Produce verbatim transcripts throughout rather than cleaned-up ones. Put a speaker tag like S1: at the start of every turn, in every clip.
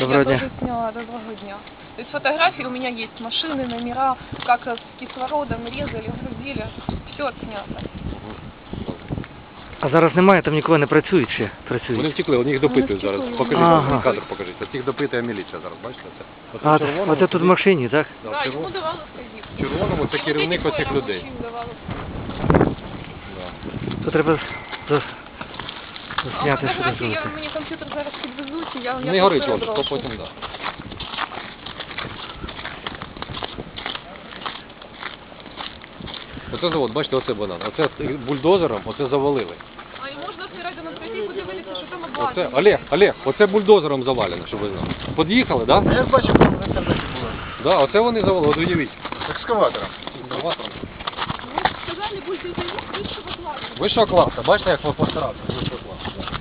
S1: Доброго
S2: Я
S1: дня.
S2: тоже сняла, доброго дня. То есть фотографии у меня есть, машины, номера, как с кислородом резали, грузили, все отснято.
S1: А зараз немає, там нікого не працюють ще? Працюють.
S3: Вони втекли, вони їх допитують
S2: Вони
S3: зараз.
S2: втекли.
S3: Покажіть,
S1: Ага.
S3: кадр покажіть. От їх допитує міліція зараз, бачите? Це. Оце
S1: А,
S3: в червоному,
S1: оце тут в машині, так?
S3: Да, в
S2: Да, ему
S3: червоному,
S2: давала входить.
S3: в червоному це керівник оцих людей. Да.
S1: То треба за-
S2: А
S1: засняти, що
S2: фотографії, я,
S1: дозволити.
S2: мені комп'ютер зараз підвезуть, і я, я
S3: Не горить
S2: просто
S3: он, то
S2: розброшу.
S3: потім, да. Оце завод, бачите, оце банан. Оце бульдозером, оце завалили.
S2: А і можна всередину прийти і подивитися, що там
S3: Оце,
S2: обладнання.
S3: Олег, Олег, оце бульдозером завалено, щоб ви знали. Під'їхали, так? Да?
S4: Я бачу, там в інтернеті було.
S3: Да, оце вони завалили, от уявіть.
S4: Екскаватором.
S3: Екскаватором.
S2: Ви ж сказали, будете заїзд вищого класу.
S3: Вищого класу, бачите, як ви постарався? Вищого класу. Да.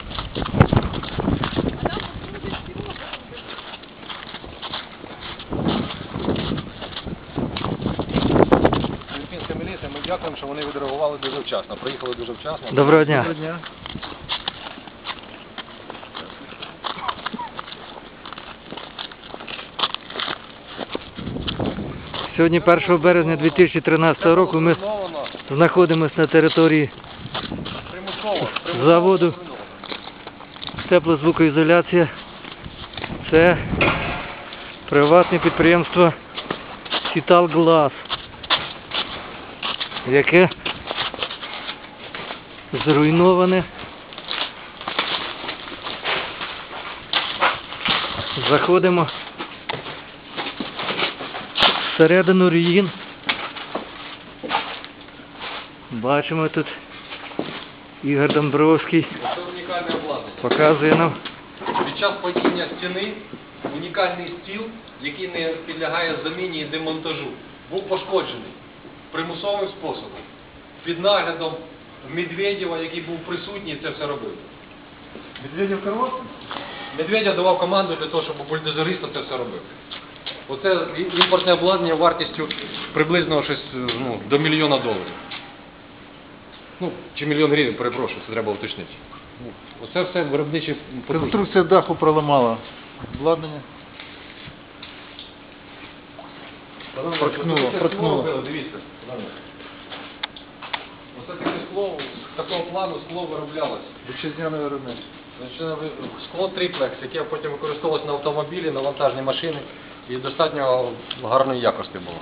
S2: А там люди всього.
S3: Філіппінська міліція, ми дякуємо, що вони відреагували дуже вчасно. Приїхали дуже вчасно.
S1: Доброго дня.
S4: Доброго дня.
S1: Сьогодні першого березня дві тисячі тринадцятого року ми
S3: Зруйновано,
S1: знаходимося на території
S3: примусово, примусово
S1: заводу
S3: зруйновано.
S1: теплозвукоізоляція. Це приватне підприємство Сіталглас, яке зруйноване. Заходимо всередину руїн. Бачимо тут Ігор Домбровський
S3: Це унікальне обладнання.
S1: показує нам.
S3: Під час падіння стіни унікальний стіл, який не підлягає заміні і демонтажу, був пошкоджений примусовим способом. Під наглядом Медведєва, який був присутній, це все робив.
S4: Медведєв керувався?
S3: Медведєв давав команду для того, щоб бульдозериста це все робив. Оце імпортне обладнання вартістю приблизно щось, ну, до мільйона доларів. Ну, чи мільйон гривень, перепрошую, це треба уточнити. Ну, оце все виробничі потужності.
S4: Конструкція даху проламала обладнання. Проткнуло, проткнуло.
S3: Дивіться. Оце таке скло, з такого плану скло вироблялось.
S4: Вітчизняне виробництво.
S3: Значить, скло триплекс, яке потім використовувалось на автомобілі, на вантажні машини і достатньо гарної якості було.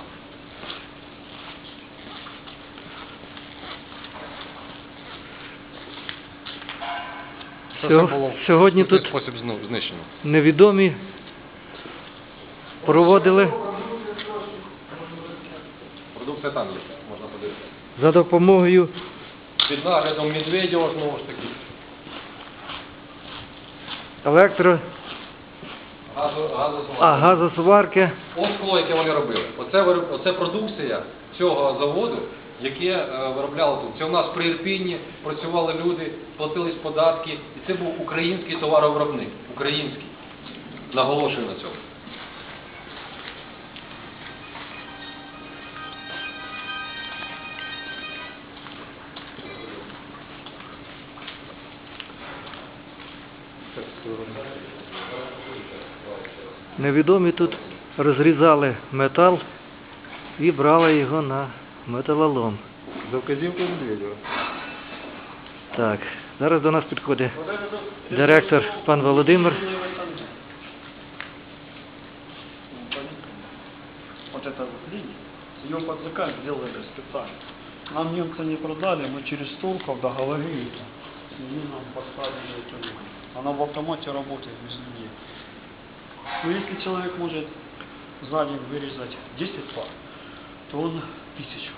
S3: Це
S1: Сьо-
S3: все було
S1: сьогодні
S3: в такий
S1: тут
S3: спосіб зну- знищено.
S1: невідомі проводили
S3: Продукція там є, можна подивитися.
S1: за допомогою
S3: Під наглядом Медведєва знову ж таки.
S1: електро,
S3: Газо, газосмазка.
S1: а газосварки.
S3: Ось скло, яке вони робили. Оце, вироб- оце продукція цього заводу, яке е, виробляло тут. Це у нас при Ірпінні працювали люди, платились податки. І це був український товаровиробник. Український. Наголошую на цьому.
S1: Невідомі тут розрізали метал і брали його на металолом.
S4: За вказівкою Медведєва.
S1: Так, зараз до нас підходить директор пан Володимир.
S5: Вот эта вот линия, ее под заказ сделали специально. Нам немцы не продали, мы через турков договорились, и они нам поставили эту линию. Она в автомате работает без людей. Но если человек может за день вырезать десять пар, то он тысячу.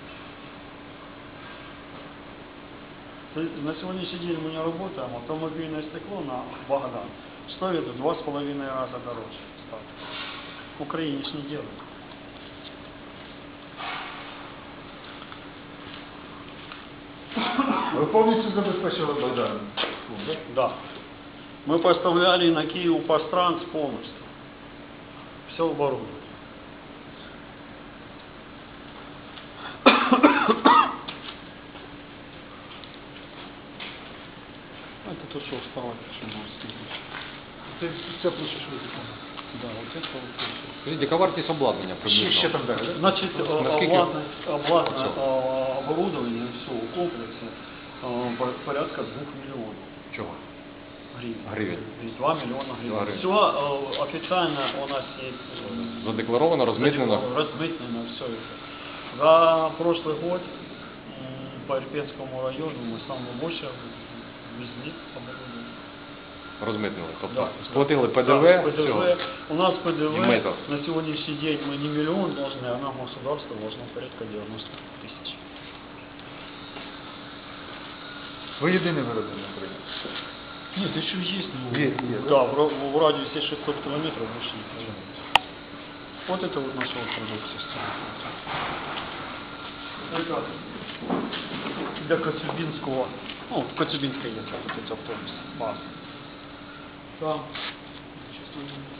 S5: То есть на сегодняшний день мы не работаем, автомобильное стекло на Богдан стоит в два с половиной раза дороже. стало. В Украине ж не делают.
S4: Ви повністю забезпечили Богдан?
S5: Да. Мы поставляли на Киев Пастранс полностью. Все оборудование. Это то, что вставать, что можно сказать.
S4: Це, це площа швидко.
S5: Да, вот это вот.
S3: Скажіть, яка вартість обладнання
S4: Ще,
S3: приблизно?
S4: ще там далі, да?
S5: Значит, э,
S3: Наскільки?
S5: обладнать, обладнать,
S3: Оце?
S5: э, оборудование всего комплекса э, по- порядка двух миллионов
S3: Чого?
S5: гривен.
S3: Гривен.
S5: То есть два миллиона гривен.
S3: Два гривен.
S5: Все э, официально у нас есть э,
S3: Задекларовано, розмитнено?
S5: размытнено все это. За прошлый год м, по Ирпенскому району мы самое больше везли оборудование.
S3: Розмитнили. Тобто
S5: Да.
S3: сплатили ПДВ,
S5: Да,
S3: все.
S5: ПДВ. У нас ПДВ
S3: И метод.
S5: на сегодняшний день мы не миллион должны, а нам государство должно порядка девяносто тысяч.
S4: Ви єдиний виробник на Україні.
S5: Нет, еще есть. Ну,
S4: Є, є,
S5: да, в, ра- в радиусе шестьсот километров больше не пожалуйста. Вот это вот наша вот продукция. Это для Коцюбинского, ну, в Коцюбинской есть вот эти автобусы, баз. Там, сейчас,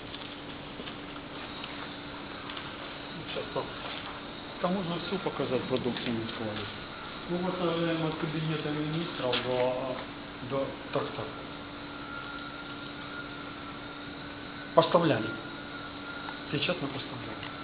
S5: сейчас там, там можно все показать продукцию на складе. Ну, вот э, от кабинета министров до, до так, так. Поставляли. Сейчас мы поставляем.